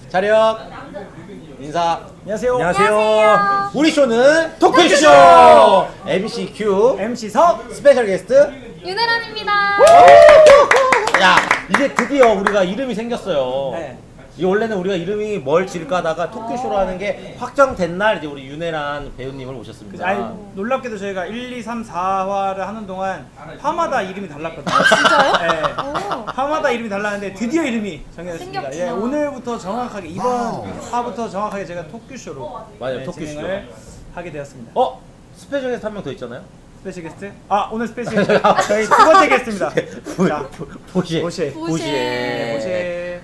차렷 인사. 안녕하세요. 안녕하세요. 우리 쇼는 토크쇼 MC 큐 MC 석. 스페셜 게스트. 윤혜란입니다. 야, 이제 드디어 우리가 이름이 생겼어요. 네. 이 원래는 우리가 이름이 뭘 지을까 하다가 토크쇼라는 게 확정된 날 이제 우리 윤혜란 배우님을 모셨습니다. 아니, 놀랍게도 저희가 1, 2, 3, 4화를 하는 동안 화마다 이름이 달랐거든요. 진짜요? 네. 오. 화마다 이름이 달랐는데 드디어 이름이 정해졌습니다. 생겼구나. 예, 오늘부터 정확하게 이번 화부터 정확하게 제가 토크쇼로 맞아요, 토크쇼. 진행을 하게 되었습니다. 스페셜 게스트 한 명 더 있잖아요. 스페셜 게스트? 오늘 스페셜 게스트 저희 두 번째 게스트입니다. 자, 보시에. 보시에. 보시에. 보시에.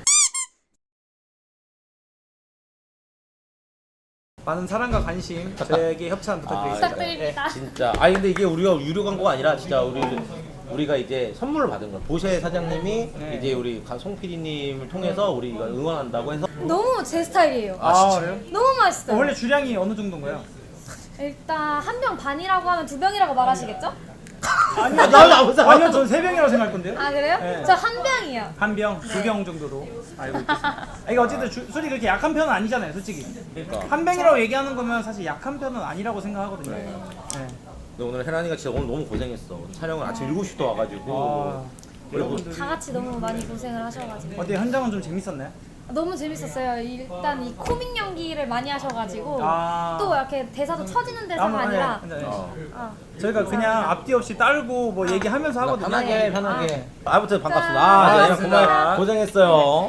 많은 사랑과 관심 저에게 협찬 부탁드리겠습니다. 부탁드립니다. 진짜. 아니 근데 이게 우리가 유료 광고가 아니라 진짜 우리가 이제 선물을 받은 거예요. 보쉐 사장님이 네. 이제 우리 송 PD님을 통해서 우리가 응원한다고 해서 너무 제 스타일이에요. 아, 그래요? 너무 맛있어요. 원래 주량이 어느 정도인가요? 일단 한 병 반이라고 하면 두 병이라고 말하시겠죠? 아니요, 나도 아무 상관 아니요, 전 3병이라고 생각할 건데요. 아 그래요? 네. 저 한 병이요. 한 병, 두 병 정도로 알고 있겠습니다. 이게 어쨌든 술이 그렇게 약한 편은 아니잖아요, 솔직히. 그러니까. 한 병이라고 얘기하는 거면 사실 약한 편은 아니라고 생각하거든요. 네. 근데 오늘 혜란이가 진짜 오늘 너무 고생했어. 촬영을 아침 7시부터 와가지고 여러분들 다 같이 너무 많이 고생을 하셔가지고 어때 현장은 좀 재밌었나요? 너무 재밌었어요. 일단 이 코믹 연기를 많이 하셔가지고 아. 또 이렇게 대사도 쳐지는 대사가 아니라 아, 저희가 그냥 앞뒤 없이 딸고 뭐 얘기하면서 하거든요. 편하게 편하게. 아무튼 반갑습니다. 반갑습니다. 정말 고생했어요.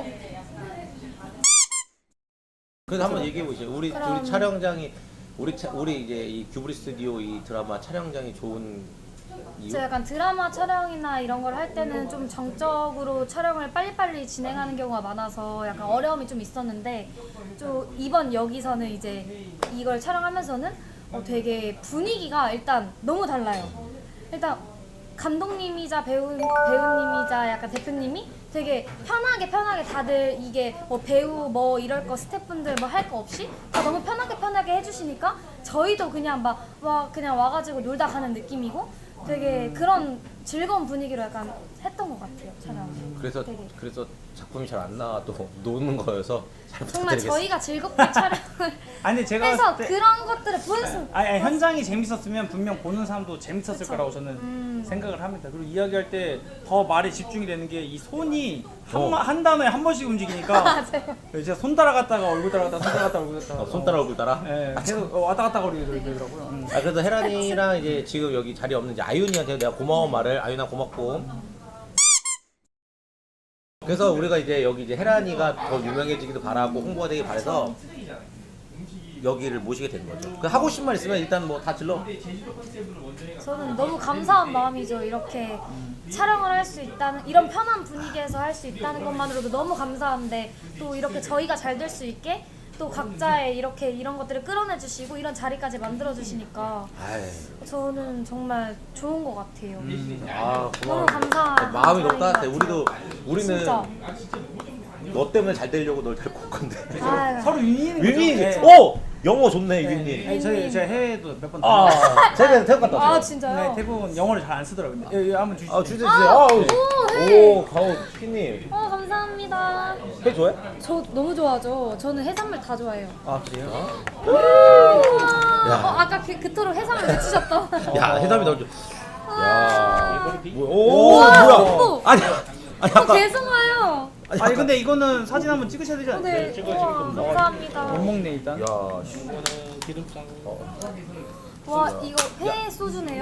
그래서 한번 얘기해 보시죠. 우리 촬영장이 우리 이제 이 규브리 스튜디오 이 드라마 촬영장이 좋은 이유? 제가 약간 드라마 촬영이나 이런 걸 할 때는 좀 정적으로 촬영을 빨리빨리 진행하는 경우가 많아서 약간 어려움이 좀 있었는데 좀 이번 여기서는 이제 이걸 촬영하면서는 되게 분위기가 일단 너무 달라요. 일단 감독님이자 배우님이자 약간 대표님이 되게 편하게 다들 이게 뭐 배우 뭐 이럴 거 스태프분들 뭐 할 거 없이 다 너무 편하게 해주시니까 저희도 그냥 그냥 와가지고 놀다 가는 느낌이고 되게 그런 즐거운 분위기로 약간 했던 것 같아요, 촬영. 그래서 작품이 잘 안 나와도 노는 거여서 잘 정말 부탁드리겠습니다. 저희가 즐겁게 촬영을 아니 근데 제가 해서 봤을 때 그런 것들을 보였으면 아니, 현장이 재밌었으면 분명 보는 사람도 재밌었을 그쵸. 거라고 저는 생각을 합니다. 그리고 이야기할 때 더 말에 집중이 되는 게 이 손이 한 단어에 한 번씩 움직이니까 맞아요. 제가 손 따라갔다가 얼굴 따라갔다가 손 따라갔다가 얼굴 따라갔다가 손 따라 얼굴 따라. 네, 계속 왔다 갔다 거리더라고요. 그래서 혜란이랑 이제 지금 여기 자리에 없는 이제 아윤이한테 내가 고마운 말을 아윤아 고맙고. 그래서 우리가 이제 여기 이제 혜란이가 더 유명해지기도 바라고 홍보가 되길 바래서 여기를 모시게 된 거죠. 그 하고 싶은 말 있으면 일단 뭐 다 질러. 저는 너무 감사한 마음이죠. 이렇게 촬영을 할 수 있다는 이런 편한 분위기에서 할 수 있다는 것만으로도 너무 감사한데 또 이렇게 저희가 잘 될 수 있게 또 각자의 이렇게 이런 것들을 끌어내 주시고 이런 자리까지 만들어 주시니까 저는 정말 좋은 것 같아요. 아 고마워. 너무 감사한 마음이 너무 자리인 것 따뜻해. 같아요. 우리는 진짜. 너 때문에 잘 되려고 널 데리고 올 건데. 아유. 서로 윈윈인 거죠. 윈윈. 네. 오 영어 좋네 윈윈. 아니, 제가 해외도 몇 번 제가 태국 갔다 왔어요. 아 진짜요? 네, 태국은 영어를 잘 안 쓰더라고요. 여기 한번 주시죠. 주세요. 네. 가오 피님. 감사합니다. 회 좋아해? 저 너무 좋아하죠. 저는 해산물 다 좋아해요. 아 그래요? 아까 그토록 해산물 외치셨던. 야 해삼이 너무 좋. 야. 우와, 뭐야? 어머. 아니 아까 계속 와요. 아니 근데 이거는 사진 한번 찍으셔야 되지 않나요? 네. 우와, 감사합니다. 못 먹네 일단. 야. 와 이거 회 소주네요.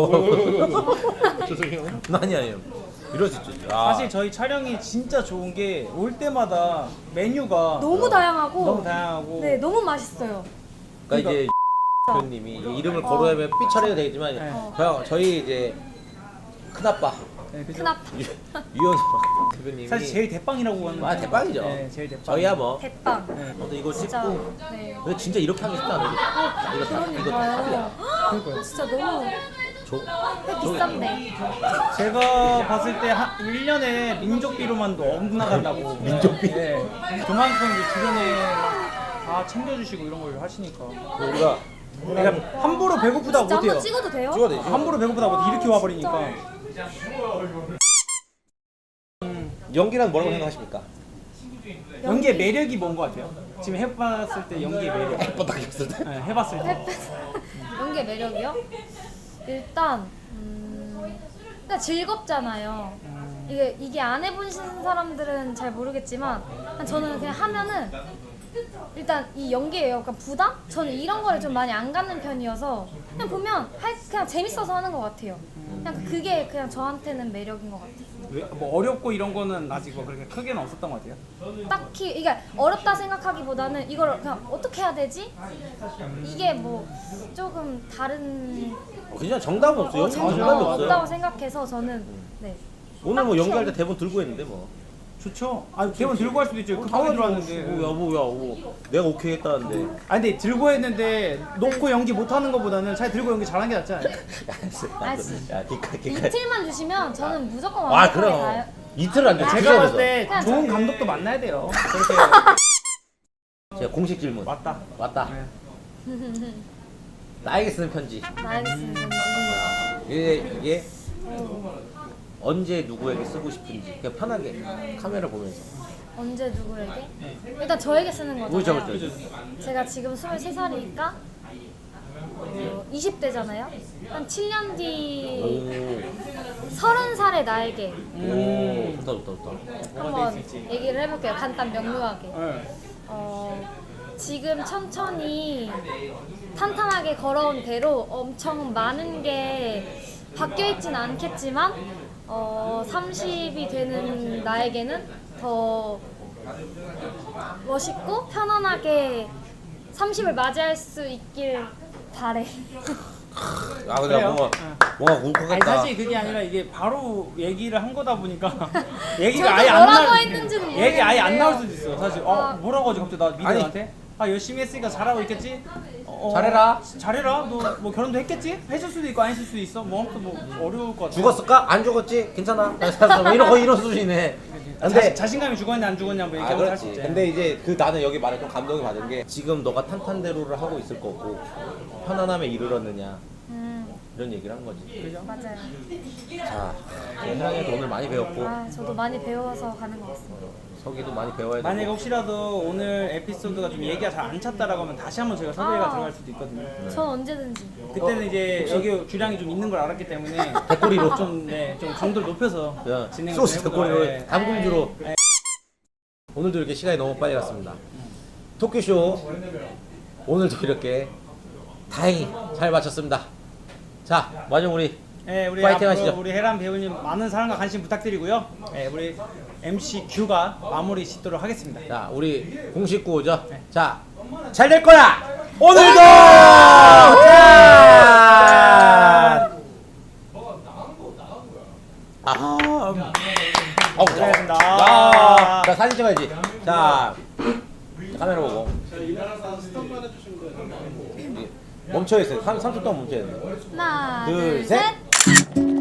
죄송해요. 아니에요. 이럴 수 있죠. 사실 저희 촬영이 진짜 좋은 게 올 때마다 메뉴가 너무 다양하고. 너무 다양하고 네, 너무 맛있어요. 그러니까 이제 대표님이 이름을 거론하면 삐 처리가 되겠지만 저희 이제 큰아빠 네, 그죠? 큰아빠. 유현 대표님이 사실 제일 대빵이라고 하는 대빵이죠. 네, 제일 대빵. 저희야 뭐. 대빵. 근데 이거 진짜. 찍고 네. 근데 진짜 이렇게 하기 쉽지 않아요. 이거 그러니까요. 그러니까요. 진짜 너무 회 비싼데. 제가 봤을 때 1년에 민족비로만도 억나간다고. 민족비? 네. 그만큼 이제 주변에 다 챙겨주시고 이런 걸 하시니까. 우리가 그러니까 함부로 배고프다고 진짜 못해요. 한번 찍어도 돼요? 찍어야 되지. 함부로 배고프다고 못해. 이렇게 와버리니까. 연기란 뭐라고 생각하십니까? 연기의 매력이 뭔 것 같아요? 지금 해봤을 때 연기의 매력. 뻔딱했을 때. 네, 해봤을 때. 연기의 매력이요? 일단 일단 즐겁잖아요. 이게 안 해보신 사람들은 잘 모르겠지만 저는 그냥 하면은 일단 이 연기에 약간 부담? 저는 이런 거를 좀 많이 안 갖는 편이어서 그냥 보면 그냥 재밌어서 하는 것 같아요. 그냥 그게 그냥 저한테는 매력인 것 같아요. 뭐 어렵고 이런 거는 아직 뭐 그렇게 크게는 없었던 것 같아요. 딱히 이게 어렵다 생각하기보다는 이걸 그냥 어떻게 해야 되지? 이게 뭐 조금 다른 그냥 정답은 없어. 연기 정답이 정답이 없어요. 없다고 생각해서 저는 네. 오늘 뭐 딱히 연기할 때 대본 들고 했는데 뭐. 좋죠. 아 대본 들고 할 수도 있죠. 급하게 들어왔는데. 내가 오케이 했다는데. 아 근데 들고 했는데 놓고 연기 못하는 것보다는 차라리 들고 연기 잘한 게 낫지 않아요? 알았어. 야, 기깔. 이틀만 주시면 저는 무조건 아, 완벽하게 그럼. 가요. 이틀 안 돼. 제가 봤을 때 그냥 좋은 감독도 만나야 돼요. 그렇게 제가 공식 질문. 맞다. 왔다. 네. 나에게 쓰는 편지. 나에게 쓰는 편지. 이게 언제 누구에게 쓰고 싶은지 그냥 편하게 카메라 보면서. 언제 누구에게? 일단 저에게 쓰는 거잖아요. 그죠. 제가 지금 23살이니까 20대잖아요. 한 7년 뒤 30살의 나에게 오, 좋다. 한번 얘기를 해볼게요. 간단 명료하게. 네. 지금 천천히 탄탄하게 걸어온 대로 엄청 많은 게 바뀌어 있진 않겠지만 30이 되는 나에게는 더 멋있고 편안하게 30을 맞이할 수 있길 바래. 아 근데 그래요? 뭔가 아니 울컥했다. 사실 그게 아니라 이게 바로 얘기를 한 거다 보니까 저도 얘기가 아예 안 뭐라고 나올 했는지는 얘기 아예 안 모르겠는데요. 나올 수도 있어요. 사실 아. 뭐라고 하지 갑자기 나 미드한테 아 열심히 했으니까 잘하고 있겠지. 잘해라. 잘해라. 너 뭐 결혼도 했겠지? 했을 수도 있고 안 했을 수도 있어. 뭐 아무튼 뭐 어려울 것 같아. 죽었을까? 안 죽었지? 괜찮아. 뭐 이런 수준이네. 근데 자신감이 죽었냐 안 죽었냐 뭐 얘기하고 살수 있지. 근데 이제 그 나는 여기 말에 좀 감동이 받은 게 지금 너가 탄탄대로를 하고 있을 거고 편안함에 이르렀느냐 이런 얘기를 한 거지. 그죠? 맞아요. 자, 혜랑이도 오늘 많이 배웠고 저도 많이 배워서 가는 것 같습니다. 석이도 많이 배워야 되고. 만약에 혹시라도 오늘 에피소드가 좀 얘기가 잘 안 찼다라고 하면 다시 한번 저희가 섭외가 아. 들어갈 수도 있거든요. 전 언제든지. 그때는 이제 여기 주량이 좀 있는 걸 알았기 때문에 대꼬리로. 좀 강도를 높여서 야, 진행을 소스 좀 해보도록 대꼬리로 해. 담금주로. 네. 오늘도 이렇게 시간이 너무 빨리 갔습니다. 토끼쇼 오늘도 이렇게 다행히 잘 마쳤습니다. 자, 마지막 우리 네, 우리 파이팅 앞으로 하시죠. 우리 혜란 배우님 많은 사랑과 관심 부탁드리고요. 네, 우리 MC Q가 마무리 짓도록 하겠습니다. 자, 우리 공식 구호죠. 자, 잘 될 거야. 오늘도 짠! 고생하셨습니다. 자, 사진 찍어야지. 자, 카메라 보고. 멈춰 있어요. 3초 동안 멈춰야 돼. 하나, 둘, 둘, 셋. 셋.